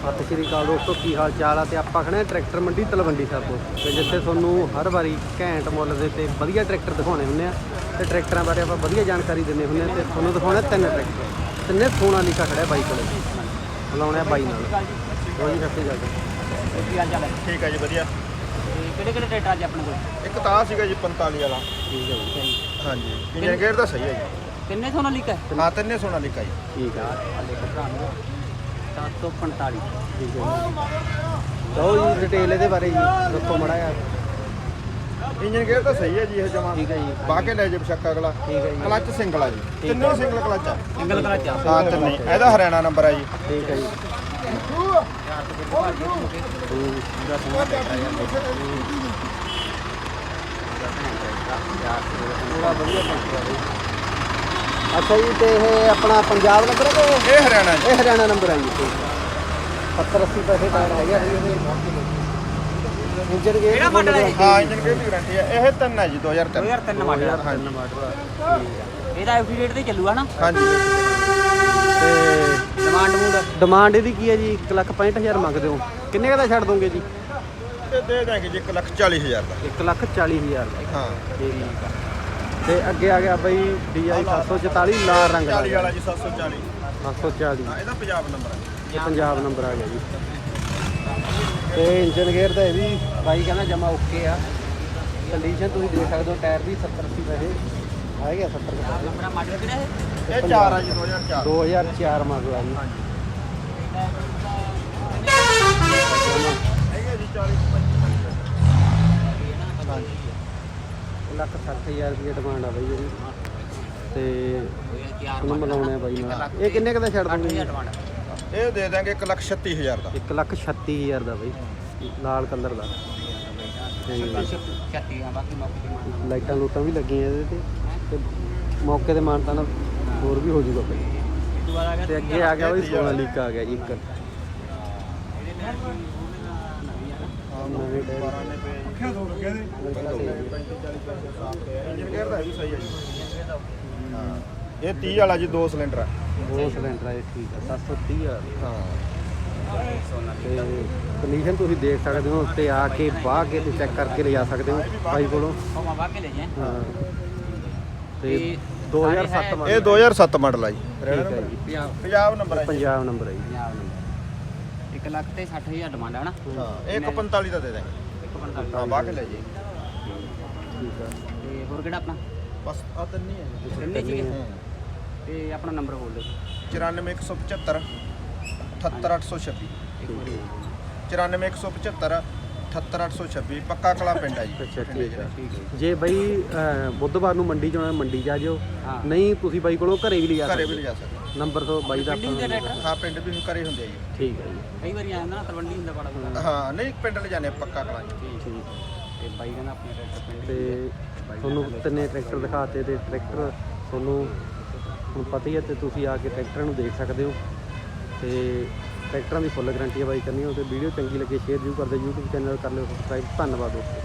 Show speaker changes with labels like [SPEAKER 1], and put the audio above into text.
[SPEAKER 1] ਸਤਿ ਸ਼੍ਰੀ ਅਕਾਲ ਦੋਸਤੋ, ਕੀ ਹਾਲ ਚਾਲ ਆ। ਤੇ ਆਪਾਂ ਖੜੇ ਟਰੈਕਟਰ ਮੰਡੀ ਤਲਵੰਡੀ ਸਾਬੋ ਤੇ ਜਿੱਥੇ ਤੁਹਾਨੂੰ ਹਰ ਵਾਰੀ ਘੈਂਟ ਮੁੱਲ ਦੇ ਤੇ ਵਧੀਆ ਟਰੈਕਟਰ ਦਿਖਾਉਣੇ ਹੁੰਦੇ ਆ ਤੇ ਟਰੈਕਟਰਾਂ ਬਾਰੇ ਆਪਾਂ ਵਧੀਆ ਜਾਣਕਾਰੀ ਦਿੰਦੇ ਹੁੰਦੇ ਆ। ਤੇ ਤੁਹਾਨੂੰ ਦਿਖਾਉਣੇ ਤਿੰਨ ਟਰੈਕਟਰ, ਤਿੰਨੇ ਸੋਨਾਲੀਕਾ ਖੜਿਆ ਬਾਈ ਕੋਲੇ। ਬੁਲਾਉਣੇ ਆ ਬਾਈ ਨਾਲ। ਉਹ ਜੀ ਸਤਿ ਸ਼੍ਰੀ ਅਕਾਲ।
[SPEAKER 2] ਕੀ ਹਾਲ ਚਾਲ ਹੈ?
[SPEAKER 3] ਠੀਕ ਹੈ ਜੀ, ਵਧੀਆ।
[SPEAKER 2] ਕਿਹੜੇ ਟਰੈਕਟਰ ਅੱਜ ਆਪਣੇ ਕੋਲ?
[SPEAKER 3] ਇੱਕ ਤਾਂ ਸੀਗਾ ਜੀ 45 ਵਾਲਾ।
[SPEAKER 1] ਠੀਕ ਹੈ ਜੀ।
[SPEAKER 3] ਹਾਂਜੀ, ਇੰਜਨ ਗੇਅਰ ਦਾ ਸਹੀ ਹੈ ਜੀ।
[SPEAKER 2] ਕਿੰਨੇ ਸੋਨਾਲੀਕਾ ਹੈ?
[SPEAKER 3] ਹਾਂ, ਤਿੰਨੇ ਸੋਨਾਲੀਕਾ ਜੀ।
[SPEAKER 1] ਠੀਕ ਹੈ।
[SPEAKER 2] 745।
[SPEAKER 1] ਠੀਕ ਹੈ ਜੀ। ਲਓ ਜੀ ਡਿਟੇਲ ਇਹਦੇ ਬਾਰੇ ਜੀ ਦੱਸੋ ਮਾੜਾ ਜਿਹਾ।
[SPEAKER 3] ਇੰਜਨ ਗੇਅਰ ਤਾਂ ਸਹੀ ਹੈ ਜੀ ਇਹ ਜਮਾ।
[SPEAKER 1] ਠੀਕ ਹੈ ਜੀ।
[SPEAKER 3] ਬਾਹ ਕੇ ਲੈ ਜੇ ਬਸ਼ੱਕਾ ਅਗਲਾ।
[SPEAKER 1] ਠੀਕ ਹੈ ਜੀ।
[SPEAKER 3] ਕਲੱਚ ਸਿੰਗਲ ਆ ਜੀ, ਤਿੰਨੇ ਸਿੰਗਲ ਕਲੱਚ ਆ।
[SPEAKER 2] ਸਿੰਗਲ ਕਲਚ ਆ?
[SPEAKER 3] ਹਾਂ ਤਿੰਨੇ। ਇਹਦਾ ਹਰਿਆਣਾ ਨੰਬਰ ਆ ਜੀ।
[SPEAKER 1] ਠੀਕ ਹੈ ਜੀ। ਪੂਰਾ ਵਧੀਆ ਟਰੈਕਟਰ ਹੈ। ਅੱਛਾ ਜੀ, ਤੇ ਇਹ ਆਪਣਾ ਪੰਜਾਬ ਨੰਬਰ ਹੈ ਕਿ
[SPEAKER 3] ਇਹ ਹਰਿਆਣਾ ਜੀ।
[SPEAKER 1] ਇਹ ਹਰਿਆਣਾ ਨੰਬਰ ਹੈ ਜੀ। 70-80 ਪੈਸੇ ਟਾਇਰ ਹੈਗਾ ਜੀ। ਇੰਜਨ ਗੇਅਰ
[SPEAKER 2] ਕਿਹੜਾ ਮਾਡਲ ਹੈ?
[SPEAKER 3] ਹਾਂ, ਇੰਜਨ ਗੇਅਰ ਦੀ ਗਾਰੰਟੀ ਹੈ। ਇਹ 3 ਹੈ ਜੀ, 2003।
[SPEAKER 2] 2003 ਮਾਡਲ ਆ।
[SPEAKER 1] ਤਿੰਨ ਮਾਡਲ।
[SPEAKER 2] ਇਹਦਾ ਐਫਡੀ ਰੇਟ ਤੇ ਚੱਲੂਗਾ ਨਾ?
[SPEAKER 3] ਹਾਂਜੀ।
[SPEAKER 1] ਤੇ
[SPEAKER 2] ਡਿਮਾਂਡ
[SPEAKER 1] ਡਿਮਾਂਡ ਇਹਦੀ ਕੀ ਹੈ ਜੀ? 1,65,000 ਮੰਗਦੇ ਹੋ, ਕਿੰਨੇ ਕੁ ਦਾ ਛੱਡ ਦੋਗੇ ਜੀ?
[SPEAKER 3] ਤੇ ਦੇ ਦਾਂਗੇ ਜੀ 1,40,000 ਦਾ।
[SPEAKER 1] 1,40,000 ਦਾ।
[SPEAKER 3] ਹਾਂ।
[SPEAKER 1] ਠੀਕ ਆ। ਤੇ ਅੱਗੇ ਆ ਗਿਆ ਬਈ DI 744 ਲਾਲ ਰੰਗ ਦਾ।
[SPEAKER 3] 40 ਵਾਲਾ ਜੀ, 740।
[SPEAKER 1] 740
[SPEAKER 3] ਹਾਂ, ਇਹਦਾ ਪੰਜਾਬ ਨੰਬਰ ਹੈ।
[SPEAKER 1] ਇਹ ਪੰਜਾਬ ਨੰਬਰ ਆ ਗਿਆ ਜੀ। ਤੇ ਇੰਜਨ ਗੇਅਰ ਦਾ ਇਹ ਵੀ ਬਾਈ ਕਹਿੰਦਾ ਜਮਾ ਓਕੇ ਆ। ਕੰਡੀਸ਼ਨ ਤੁਸੀਂ ਦੇਖ ਸਕਦੇ ਹੋ, ਟਾਇਰ ਵੀ 70-80 ਪੈਸੇ ਆ ਗਿਆ। 70 ਪੈਸੇ।
[SPEAKER 2] ਆਪਣਾ ਮਾਡਲ ਕਿਹੜਾ ਹੈ?
[SPEAKER 3] ਇਹ 4 ਆ ਜੀ, 2004।
[SPEAKER 1] 2004 ਮਾਡਲ ਆ ਜੀ।
[SPEAKER 3] ਹੈਗਾ ਜੀ 40।
[SPEAKER 1] 1,60,000 ਰੁਪਏ ਡਿਮਾਂਡ ਆ ਬਾਈ ਇਹਦੀ। ਤੇ
[SPEAKER 2] 2004
[SPEAKER 1] ਉਹਨੂੰ ਮਿਲਾਉਣੇ ਆ ਬਾਈ ਨਾਲ। ਇਹ ਕਿੰਨੇ ਕੁ ਦਾ ਛੱਡ ਦੋਗੇ ਜੀ?
[SPEAKER 2] ਡਿਮਾਂਡ
[SPEAKER 3] ਇਹ ਦੇ ਦਾਂਗੇ 1,36,000 ਦਾ।
[SPEAKER 1] 1,36,000 ਦਾ ਬਾਈ, ਲਾਲ ਕਲਰ ਦਾ। ਤੇ
[SPEAKER 2] 36 ਆ। ਬਾਕੀ ਮੌਕੇ ਤੇ
[SPEAKER 1] ਲਾਈਟਾਂ ਲੂਟਾਂ ਵੀ ਲੱਗੀਆਂ ਇਹਦੇ ਤੇ ਮੌਕੇ ਤੇ ਮਾਨਤਾ ਨਾਲ ਹੋਰ ਵੀ ਹੋ ਜਾਊਗਾ ਬਾਈ।
[SPEAKER 2] ਦੁਬਾਰਾ ਆ ਗਿਆ
[SPEAKER 1] ਤੇ ਅੱਗੇ ਆ ਗਿਆ ਬਾਈ ਸੋਨਾਲੀਕਾ ਆ ਗਿਆ ਜੀ। ਇੱਕ ਨਵੇਂ ਟਾਇਰ।
[SPEAKER 3] ਇੰਜਨ ਗੇਅਰ ਦਾ ਵੀ ਸਹੀ ਹੈ ਜੀ। ਹਾਂ, ਇਹ 30 ਵਾਲਾ ਜੀ, 2 ਸਿਲੰਡਰ ਆ।
[SPEAKER 1] 2 ਸਿਲੰਡਰ ਆ ਇਹ। ਠੀਕ ਆ। 730,000।
[SPEAKER 3] ਹਾਂ।
[SPEAKER 1] ਤੇ ਕੰਡੀਸ਼ਨ ਤੁਸੀਂ ਦੇਖ ਸਕਦੇ ਹੋ, ਉੱਤੇ ਆ ਕੇ ਬਾਹ ਕੇ ਤੇ ਚੈੱਕ ਕਰਕੇ ਲਿਜਾ ਸਕਦੇ ਹੋ ਬਾਈ ਕੋਲੋਂ।
[SPEAKER 2] ਉਹ ਮਵਾ ਕੇ ਲੈ ਜਾਏ।
[SPEAKER 1] ਹਾਂ। ਤੇ 2007 ਮਾਡਲ।
[SPEAKER 3] ਇਹ 2007 ਮਾਡਲ ਆ ਜੀ।
[SPEAKER 1] ਠੀਕ ਹੈ ਜੀ।
[SPEAKER 3] ਪੰਜਾਬ ਨੰਬਰ ਹੈ ਜੀ।
[SPEAKER 1] ਪੰਜਾਬ ਨੰਬਰ ਹੈ ਜੀ।
[SPEAKER 2] 1,60,000 ਡਿਮਾਂਡ ਹੈ ਨਾ?
[SPEAKER 3] ਹਾਂ, ਇਹ 145 ਦਾ ਦੇ ਦਾਂਗੇ।
[SPEAKER 2] 145।
[SPEAKER 3] ਹਾਂ, ਬਾਹ ਕੇ ਲੈ ਜੀ।
[SPEAKER 1] ਠੀਕ ਆ।
[SPEAKER 2] ਤੇ ਹੋਰ ਕਿਹੜਾ ਆਪਣਾ?
[SPEAKER 3] ਬਸ ਆ ਤਿੰਨ ਹੀ ਹੈ ਜੀ।
[SPEAKER 2] ਤਿੰਨੇ ਸੀਗੇ?
[SPEAKER 3] ਹੂੰ।
[SPEAKER 2] ਤੇ ਆਪਣਾ ਨੰਬਰ ਬੋਲ ਦਿਓ।
[SPEAKER 3] 94 175 78826।
[SPEAKER 2] ਇੱਕ ਵਾਰੀ
[SPEAKER 3] 94 175 78826। ਪੱਕਾ ਕਲਾ ਪਿੰਡ ਹੈ ਜੀ।
[SPEAKER 1] ਅੱਛਾ
[SPEAKER 3] ਬਠਿੰਡੇ
[SPEAKER 1] ਠੀਕ ਹੈ।
[SPEAKER 2] ਠੀਕ ਹੈ।
[SPEAKER 1] ਜੇ ਬਾਈ ਬੁੱਧਵਾਰ ਨੂੰ ਮੰਡੀ ਚ ਆਉਣਾ, ਮੰਡੀ ਜਾ ਜਿਓ।
[SPEAKER 2] ਹਾਂ।
[SPEAKER 1] ਨਹੀਂ ਤੁਸੀਂ ਬਾਈ ਕੋਲੋਂ ਘਰੇ ਵੀ ਲਿਜਾ
[SPEAKER 3] ਘਰੇ ਵੀ
[SPEAKER 1] ਸਕਦੇ
[SPEAKER 3] ਲਿਜਾ ਸਕਦੇ।
[SPEAKER 1] ਨੰਬਰ ਤੋਂ ਬਾਈ ਦਾ
[SPEAKER 2] ਪਿੰਡ ਦੇ ਟਰੈਕਟਰ?
[SPEAKER 3] ਹਾਂ, ਪਿੰਡ ਵੀ ਘਰੇ ਹੁੰਦੇ ਆ ਜੀ।
[SPEAKER 1] ਠੀਕ ਹੈ ਜੀ।
[SPEAKER 2] ਕਈ ਵਾਰੀ ਆ ਜਾਂਦਾ ਨਾ, ਤਲਵੰਡੀ ਹੁੰਦਾ ਬੜਾ ਬੜਾ।
[SPEAKER 3] ਹਾਂ, ਨਹੀਂ ਪਿੰਡ ਲਿਜਾਣੇ ਪੱਕਾ ਕਲਾ ਜੀ।
[SPEAKER 1] ਠੀਕ।
[SPEAKER 2] ਤੇ ਬਾਈ ਕਹਿੰਦਾ ਆਪਣੇ ਟਰੈਕਟਰ ਪਿੰਡ
[SPEAKER 1] ਤੇ ਤੁਹਾਨੂੰ ਤਿੰਨੇ ਟਰੈਕਟਰ ਦਿਖਾਤੇ ਤੇ ਟਰੈਕਟਰ ਤੁਹਾਨੂੰ ਹੁਣ ਪਤਾ ਹੀ ਹੈ ਤੇ ਤੁਸੀਂ ਆ ਕੇ ਟਰੈਕਟਰਾਂ ਨੂੰ ਦੇਖ ਸਕਦੇ ਹੋ। ਤੇ ਟਰੈਕਟਰਾਂ ਦੀ ਫੁੱਲ ਗਾਰੰਟੀ ਹੈ ਬਾਈ ਕਰਨੀ ਹੋ। ਤੇ ਵੀਡੀਓ ਚੰਗੀ ਲੱਗੇ ਸ਼ੇਅਰ ਜ਼ਰੂਰ ਕਰਦੇ। YouTube ਚੈਨਲ ਕਰ ਲਿਓ ਸਬਸਕ੍ਰਾਈਬ। ਧੰਨਵਾਦ ਦੋਸਤੋ।